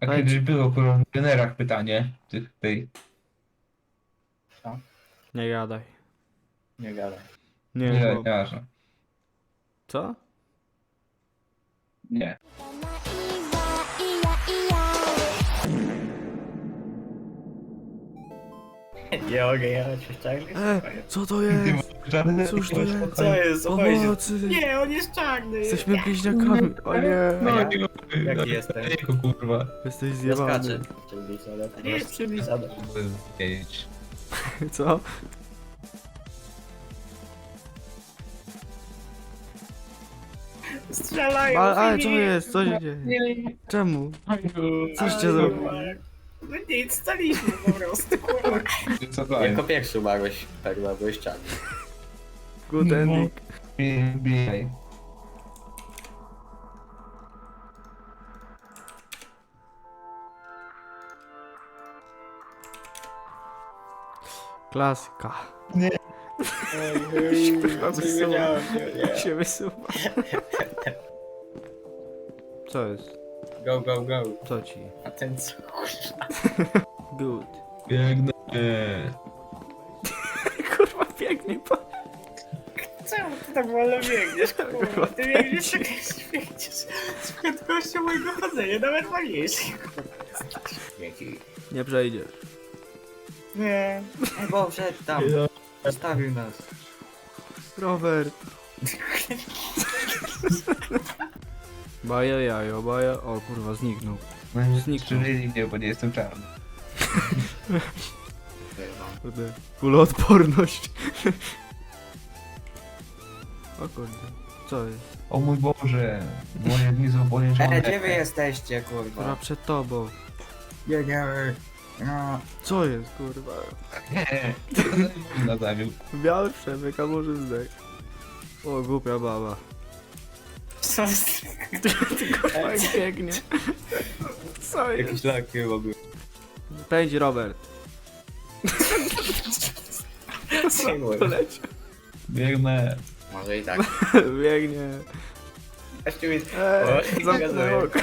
A Ale kiedyś było kurwa w generach pytanie tej. Co? Nie gadaj. Nie gadaj. Nie, Nie, chłop. nieważne. Co? Nie. Nie mogę jechać w czarny. Co to Ty jest? masz żadne... Cóż to jest? Co jest? Co chodzi? Pomocy! Nie, on jest czarny. Jesteśmy bliźniakami. O nie! No Ja? nie Jaki no, jestem? Jego kurwa. Jesteś Ja zjebany. skaczę. Przybliżone. To nie jest przybliżone. Wiedzieć. Co? Strzelają. Ale co jest? Co się dzieje? Czemu? Coś cię zrobił? No nic, staliśmy po prostu, kurwa. Co to jest? Jako pierwszy umarłeś, Perla, byłeś czarny. Good ending. Bijaj. Klasyka. Kurwa, coś wiedziałem, Się wysuwa. Co jest? Go, go, go. Co ci? A ten co? Good. Biegnę. Kurwa, pięknie pan. Czemu ty tak wolno biegniesz, kurwa? Ty biegniesz, biegniesz z prędkością mojego chodzenia, nawet wolniejszej. Dzięki. Nie przejdziesz. Nie. Ej, bo wszedł tam. Zostawił nas. Robert. Baja jajo, baja... O kurwa, zniknął. No nie Zniknął. zniszczyli mnie, bo nie jestem czarny. Kurde. Kuloodporność. O kurde. Co jest? O mój Boże. Moje dni są poniżone. Gdzie wy jesteście, Kurwa, kurwa? przed tobą. Jedziemy. No. Co jest, kurwa? Nie. Na zawiódł. Biały przebieg, a może zdech. O, głupia baba. Co? Ty kurwa jak biegnie. Co jest? Jakieś laki robił. Pędzi Robert. Poleciał. Biegnę. Może i tak. Biegnie. Jeszcze mi... Zamknę oko.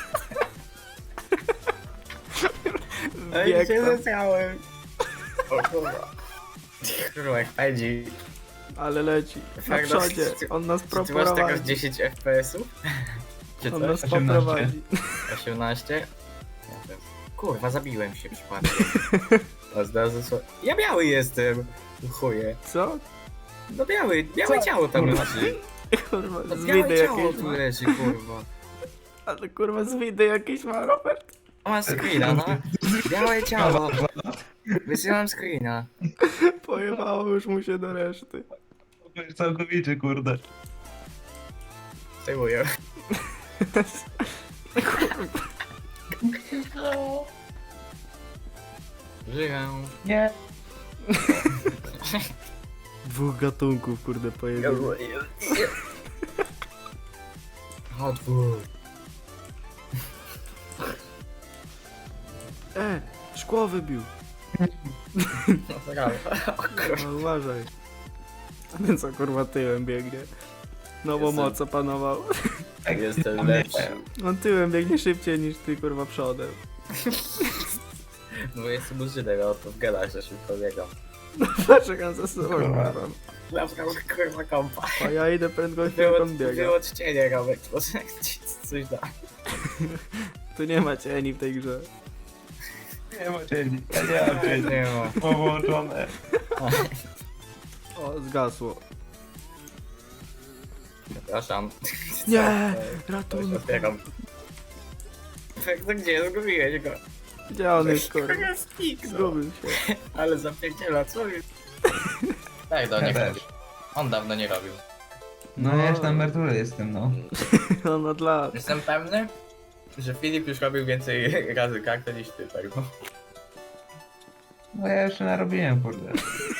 Ej, Bieg się tam. zesrałem. O kurwa. Kurwa, jak pędzi. Ale leci. Na Fakt, przodzie. ty- On nas Czy ty masz teraz proprowadzi. 10 FPS-ów? Czy On coś? nas 18. poprowadzi. 18? Nie wiem. Kurwa, zabiłem się przypadkiem. A zdarzy się... Ja biały jestem! Chuje. Co? No białe ciało tam Kurwa. leży. Kurwa, No z białe widy ciało jakieś tu ma. leży, kurwa. Ale kurwa z widy jakieś ma Robert. Mam screena, no. Białe ciało. Wysyłam screena. Pojebało już mu się do reszty. To jest całkowicie, kurde. Zdejmuję. Żyję. Nie. Dwóch gatunków kurde pojebało. Odwór. Szkło wybił. No brawo. O kurwa. No, uważaj. A ten co kurwa tyłem biegnie. Nowo Jestem- moc opanował. Jestem lepszy. On tyłem biegnie szybciej niż ty kurwa przodem. Bo jestem użyłem, o to w garażu szybko biegam. Patrz jak on za sobą Kurwa. kurwa. Zabrał kurwa kompa. A ja idę prędkością jak on biega. Wyłączenie Romek, może ci coś da. Tu nie ma cieni w tej grze. Nie ma cieni. Ja nie mam cieni. Nie ma. Połączone. O, zgasło. Przepraszam. Nie! Co? Ratunek. Otwieram. Tak, to gdzie? Zgubiłeś go. Gdzie on jest kurwa? Kurwa skik, no. Zgubił się. Ale zapierdziela, co jest? Tak, do Ja niego. też. On dawno nie robił. No ja już na emeryturze jestem, no. On od lat. Jestem pewny, że Filip już robił więcej razy kartę niż ty, tak? No ja jeszcze narobiłem, kurde.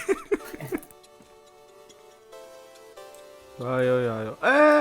Ajo.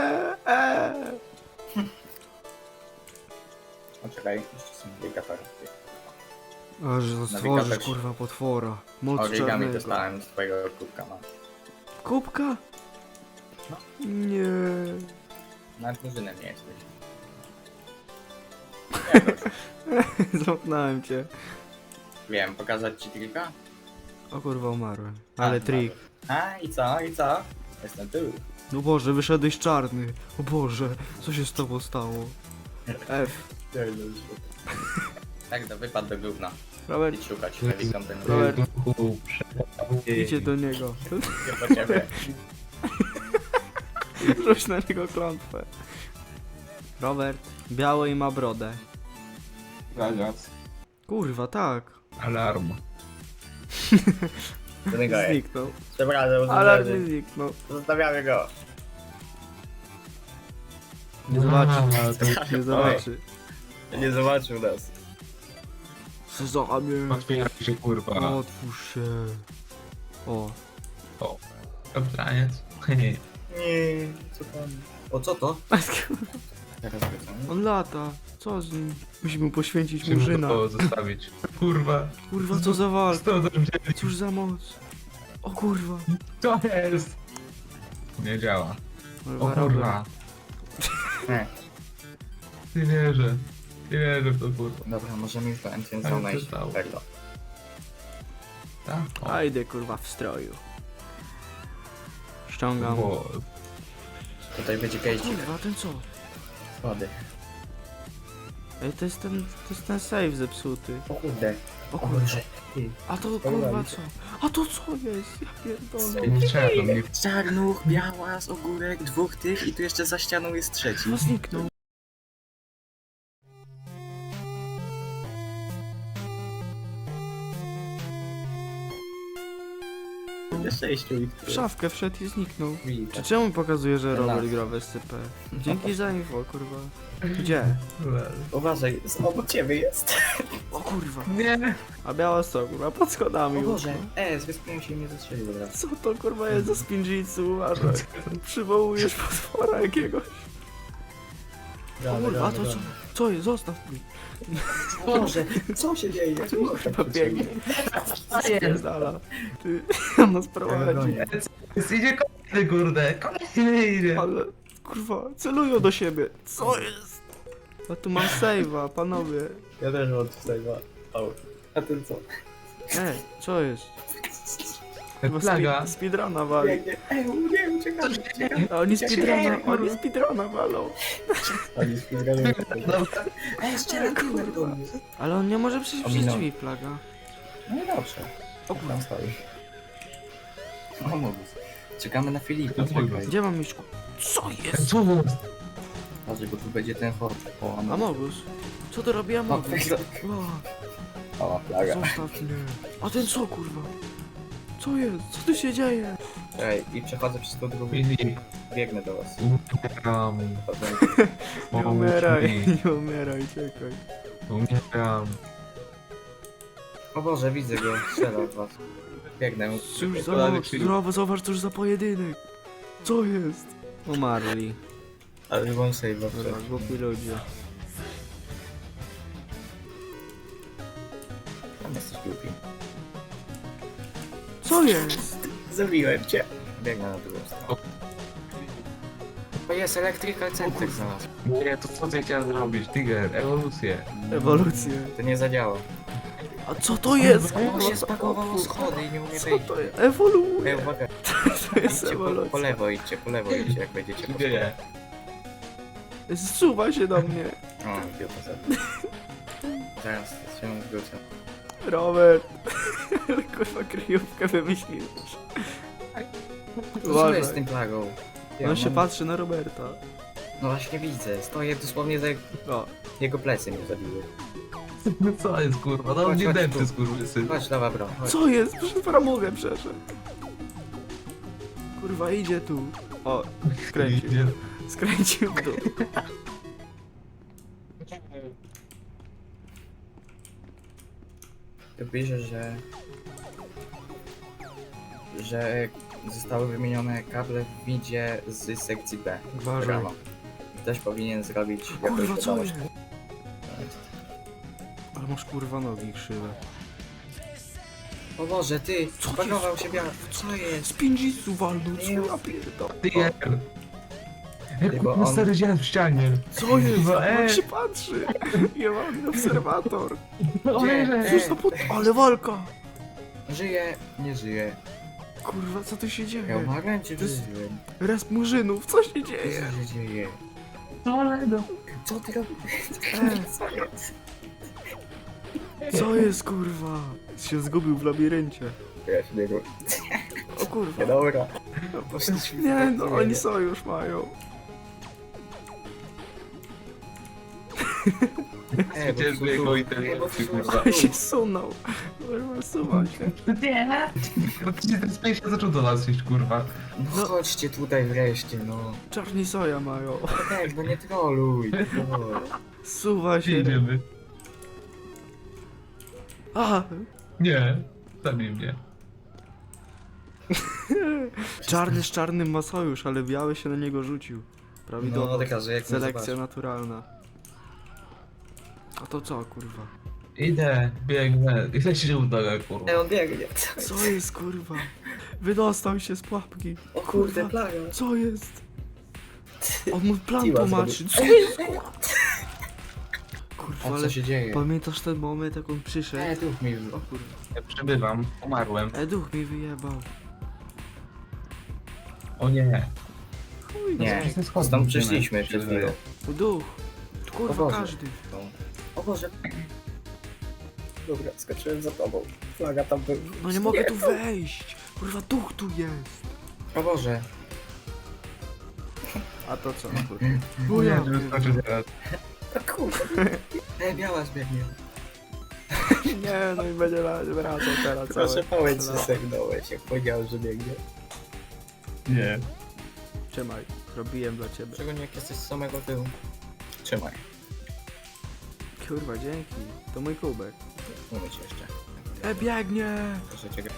O, czekaj, jeszcze są dwie kapery. Aż stworzysz Nawigator. kurwa potwora. Moc Origami czarnego. dostałem z twojego kubka, no. Kubka? No. Nie. Nawet murzynem nie jesteś. Zamknąłem cię. Wiem, pokazać ci trika? O kurwa, umarłem. Ale trik. A i co, i co? Jestem tu. No Boże, wyszedłeś czarny. O Boże, co się z tobą stało? F. Tak, to wypadł do gówna. Robert, Idź szukać helikopter. Robert. Idźcie do niego. Nie po ciebie. Rzuć na niego klątwę. Robert, biały i ma brodę. Ragaz. Kurwa, tak. Alarm. Do niego jest. Zniknął. Przepraszam, Alarm mi zniknął. zostawiamy go. Nie zobaczy. A, Nie zobaczy. Nie zobaczył nas. Sezamie. Otwiera się kurwa. Otwórz się. O. Kapitaniec. Nie, co pan? O, co to? Teraz wracamy. On lata. Co z nim? Musimy poświęcić Musimy murzyna. to zostawić. Kurwa. Kurwa, co za walka. 109. Cóż za moc. O kurwa. Co jest? Nie działa. O Kurwa, kurwa. Nie. Nie wierzę. Nie wierzę w to kurwa. Dobra, możemy już do Entrance Ale Zone to iść. stało. Tego. Tak? O, A idę kurwa w stroju. Ściągam. bo... Tutaj będzie kejścik. Kurwa, ten co? Schody. Ej, to jest ten save zepsuty. O kurde. O O kurwa. kurze. Ty. A to kurwa co? A to co jest? Ja pierdolę. Nie trzeba do mnie. Czarnuch, białas, ogórek, dwóch tych i tu jeszcze za ścianą jest trzeci. No zniknął. Jeszcze sześciu i W szafkę wszedł i zniknął. Czy Widzę. czemu pokazuje, że Ten Robert las. gra w SCP? Dzięki za info, kurwa. Gdzie? Uważaj, obok ciebie jest. O kurwa. Nie. A biała co, kurwa, pod schodami. O Boże, kurwa. zrespiłem się i mnie zastrzelił od razu. Co to kurwa jest za spinjitsu, uważaj. Przywołujesz potwora jakiegoś. O kurwa, a to co? Co jest? Zostaw mnie. Boże, co się dzieje? Czemu tak Chyba biegnie. Spierdala. Ty, on nas prowadzi. Idzie kolejny kurde. Kolejny idzie. Ale, kurwa, celują do siebie. Co jest? A tu mam save'a, panowie. Ja też mam tutaj dwa. A ten co? Co jest? Chyba Plaga. speedruna wali. Biegnie. Nie, uciekamy. A oni speedruna walą. Oni spiegają. Dobra. Strzela kurwa. Ale on nie może przejść przez Ominął. drzwi, plaga. No i dobrze. O Tam stoi. O, mógł. Czekamy na Filipa, No, czekaj. Gdzie mam iść? Co jest? Co jest? Patrz, bo tu będzie ten hort. O, no. Amogus? Co to robi Amogus? weź to. O, plaga. Zostaw mnie. A ten co, kurwa? Co jest? Co tu się dzieje? Ej, i przechodzę przez tą drugą. Filip. Biegnę do was. Umieram. Nie Pomóż umieraj, mi. nie umieraj, czekaj. Umieram. O Boże, widzę go, strzela w was. Biegnę. Cóż za Koledzy moc, Filip. zdrowo, zobacz, cóż za pojedynek. Co jest? Umarli. Ale wam save Dobra, głupi ludzie. Tam jesteś głupi. Co jest? Zabiłem cię. Biegnę na drugą stronę. To jest Electrical Center znalazł. Nie, to co ty chciałem zrobić? Tiger, ewolucję. Ewolucję. To nie zadziała. A co to jest? O, się spakowało schody i nie umie Co wejść. to jest? Ewoluuje. Ej, uwaga, To jest idźcie po ewolucja. lewo, idźcie po lewo, idźcie jak będziecie po Gdzie? Zsuwa się do mnie. O, idiota sobie. Zaraz się wrócę. Robert. Ale kurwa kryjówkę wymyśliłeś. Co Uważaj. jest z tym plagą? Ja On się mam- patrzy na Roberta. No właśnie widzę, stoję dosłownie za O, jego plecy mnie zabiły. No co jest kurwa? No Chodź, nie chodź dęty tu. skurwysyn. Chodź, dawa bro, chodź. co jest? Przez framugę przeszedł. Kurwa, idzie tu. O, skręcił. Idzie. Skręcił w dół. Tu pisze, że zostały wymienione kable w widzie z sekcji B. Uważaj. Brawo. Ktoś powinien zrobić jakąś Kurwa, co wiadomość. jest? Ale masz kurwa nogi krzywe. O Boże, ty! Co Spakował się biały. Co jest? Z pinjitsu walnął, co Nie. ja pierdolę. Tiger. Jak Bo kurwa on- stary dziad w ścianie. Co jest? Kurwa, On się patrzy. Jebany obserwator. Gdzie? Cóż to pod... Ale walka. Żyje, nie żyje. Kurwa, co tu się Ja dzieje? umarłem czy To jest- żyłem? Raz murzynów, co się Co dzieje? się dzieje? Toledo. Co ty robisz? Co jest? Co jest, kurwa? Się zgubił w labiryncie. Ja się nie robię. O kurwa. Nie, dobra. No, poszliśmy Nie, tak, no nie oni wiem. sojusz mają. Bo Cię tu- z jego tu- inteligencji, bo tu- kurwa. Ale się sunął. Kurwa, suwa się. Nie. No to się ten space się zaczął do nas iść, kurwa. No chodźcie tutaj wreszcie, no. Czarni soja mają. No tak, no nie troluj. No. Suwa Gdzie się. idziemy? A! Nie. Zabij mnie. Czarny z czarnym ma sojusz, ale biały się na niego rzucił. Prawidłowo. No taka, że jak Selekcja naturalna. A to co, kurwa? Idę, biegnę. I chcę się udaje, kurwa. on biegnie. Co jest, kurwa? Wydostał się z pułapki. O kurde, Kurwa. plaga. Co jest? On mu plan Tiła tłumaczy. zrobił. Co jest, kurwa? Kurwa, A ale co się dzieje? pamiętasz ten moment, jak on przyszedł? Duch mi O kurwa. Ja przebywam. Umarłem. Duch mi wyjebał. O nie. Chuj, Nie, Ze schodów tam idziemy, przyszliśmy się przed wydaje. chwilą. Duch. Kurwa, O Boże. każdy. O Boże. Dobra, skoczyłem za tobą. Flaga tam był. No nie mogę tu wejść. Kurwa, duch tu jest. O Boże. A to co? O nie, żeby skoczyć teraz. O kurde. Biała zbiegnie. Nie, no i będzie wracał teraz Proszę cały. pałeć się No. segnąłeś, jak powiedział, że biegnie. Nie. Trzymaj, zrobiłem dla ciebie. Szczególnie jak jesteś z samego tyłu. Trzymaj. Kurwa, dzięki. To mój kubek. Mówię ci jeszcze. Biegnie! Proszę cię.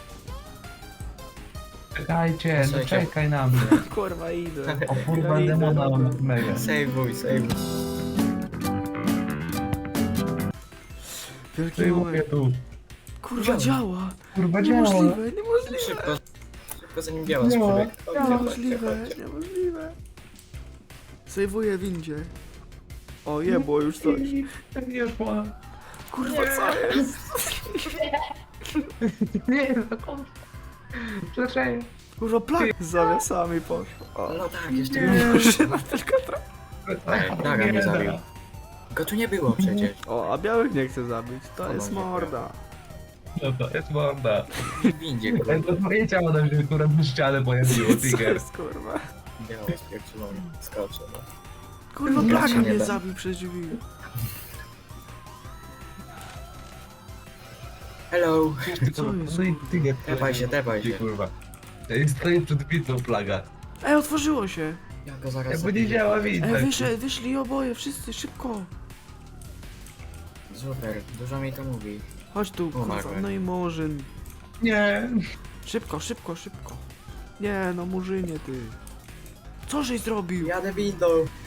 Czekajcie, no Czekaj. czekaj na mnie. Kurwa, idę. O kurwa, Idę, demona dobra. mega. Sejwuj, sejwuj. Wielki Ty mówię moment. tu. Kurwa, działa! Kurwa, działa. Niemożliwe, niemożliwe! Szybko. Szybko zanim biała Nie. sprzebieg. Chodźcie, chodźcie, Niemożliwe, chodźcie. niemożliwe. Sejwuję windzie. O, jebło już coś. Nie szła. Kurwa, co jest? Nie, no kurwa. Przecież. Kurwa, plak z zawiasami poszło. O, No tak, jeszcze nie, nie. Żyna tylko trochę. Plaga mnie zabił. Go tu nie było przecież. O, a białych nie chce zabić. To O, jest może morda. No to jest morda. W windzie go. To twoje ciało nam się kurwa w ścianę pojawiło, Co Tiger. jest, kurwa? Biała spierdzielony. Skoczę, no. Kurwa, Nie, plaga się nie mnie da. zabił przez drzwi. Hello. Co jest, No i kurwa? Tiger. Tepaj się, tepaj się. Kurwa. Stoi przed bitą plaga. Ej, otworzyło się! Ja go zaraz Jakby nie zabiję. działa widać. Wyszli oboje, wszyscy, szybko! Super, dużo mi to mówi. Chodź tu, kurwa, Umarłem. no i murzyn. Nie. Szybko, szybko, szybko. Nie, no murzynie ty. Co żeś zrobił? Jadę windą.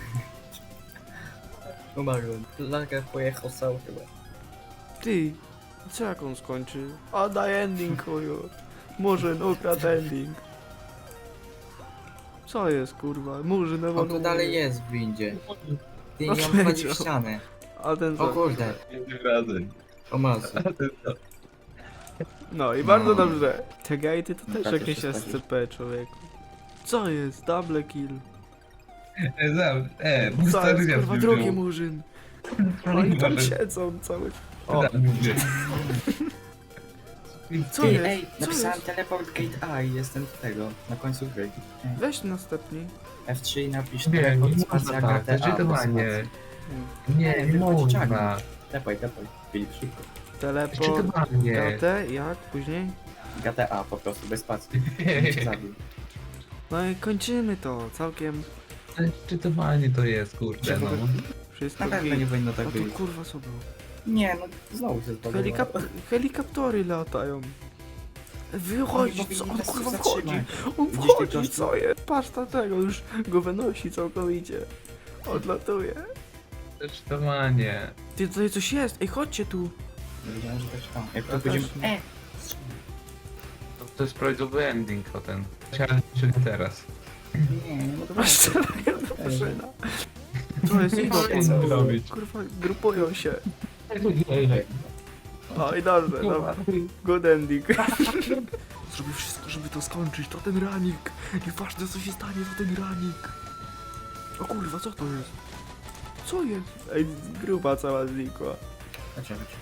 Umarłem. Plaga pojechał sam chyba. Ty, co jak on skończy? A daj ending, chuju. Murzyn ukradł ending. Co jest, kurwa? Murzyn On tu dalej jest w windzie. Ty nie Odleciał. wchodzi w ścianę. A ten O co? kurde. Tym razem. O mazu. A ty co? No i bardzo No. dobrze. Te gatey to też Tak, jakieś jeszcze SCP, człowieku. Co jest? Double kill. Mój Co stary jest, dziad kurwa, mi drugi wziął. murzyn. Ale Oni nie tam może. siedzą cały... O, Daj mi wziąć. co jest? Ej, Co napisałem jest? teleport gate A i jestem tego, na końcu gry. Weź następni. F3 i napisz Nie, teleport nie spacja można tak, gate A. zdecydowanie. Nie, Nie, nie wychodzi można. czarny. Tepaj, Filip, szybko. Teleport. Zdecydowanie. KT, jak? Później? Gate A po prostu, bez spacji. Bym cię zabił. No i kończymy to. Całkiem Zdecydowanie to jest, kurde, no. wszystko Na pewno git. nie powinno A tak tu być. kurwa co było? Nie, no znowu się zbagowało. Helikoptery latają. Wychodzi, Oni co? powinni On nas kurwa zatrzymać. wchodzi. On Widzisz tej wchodzi, klaszki? co jest? Patrz na tego, już go wynosi całkowicie. Odlatuje. Zdecydowanie. Ty, tutaj coś jest. Ej, chodźcie tu. Nie wiedziałem, że też tam. Jak Ja to będziemy... też nie. To jest prawidłowy ending o ten. Ale nie teraz. Nie, nie mogę Dobra, strzelają do maszyna. Co jest? Idą Co po nas. robić? Kurwa, grupują się. Ej, O, i dobrze, dobra. Good ending. Zrobię wszystko, żeby to skończyć. To ten ranik. Nieważne co się stanie, to ten ranik. O kurwa, co to jest? Co jest? Ej, grupa cała znikła. Chodź, chodź.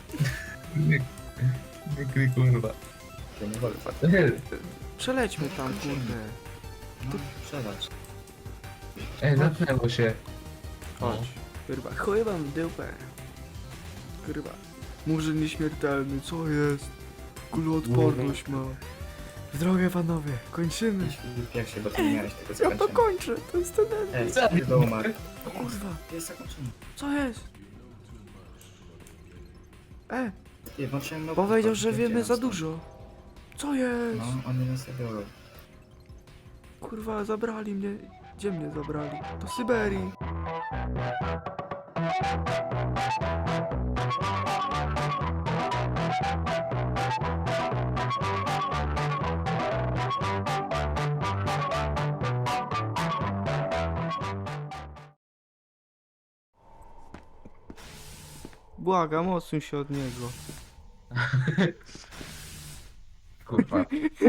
nie kry, kurwa. To nie wolno. Przelećmy tam, kurde. No, przelać. Ej, zamknęło się. Chodź. Kurwa, chuj wam w dupę. Kurwa. Murzyn nieśmiertelny, co jest? Kuloodporność ma. W drogę panowie, kończymy. Idź w pierwszy, bo ty nie miałeś tego Ja to zakończenia. kończę, to jest ten end. Ej, ty do umarł. O kurwa, Jest zakończony. co jest? Ty, włączyłem no. Powiedział, że wiemy za dużo. Co jest? No, oni nas zabiorą. Kurwa, zabrali mnie. Gdzie mnie zabrali? Do Syberii. Błagam, odsuń się od niego. Kurwa.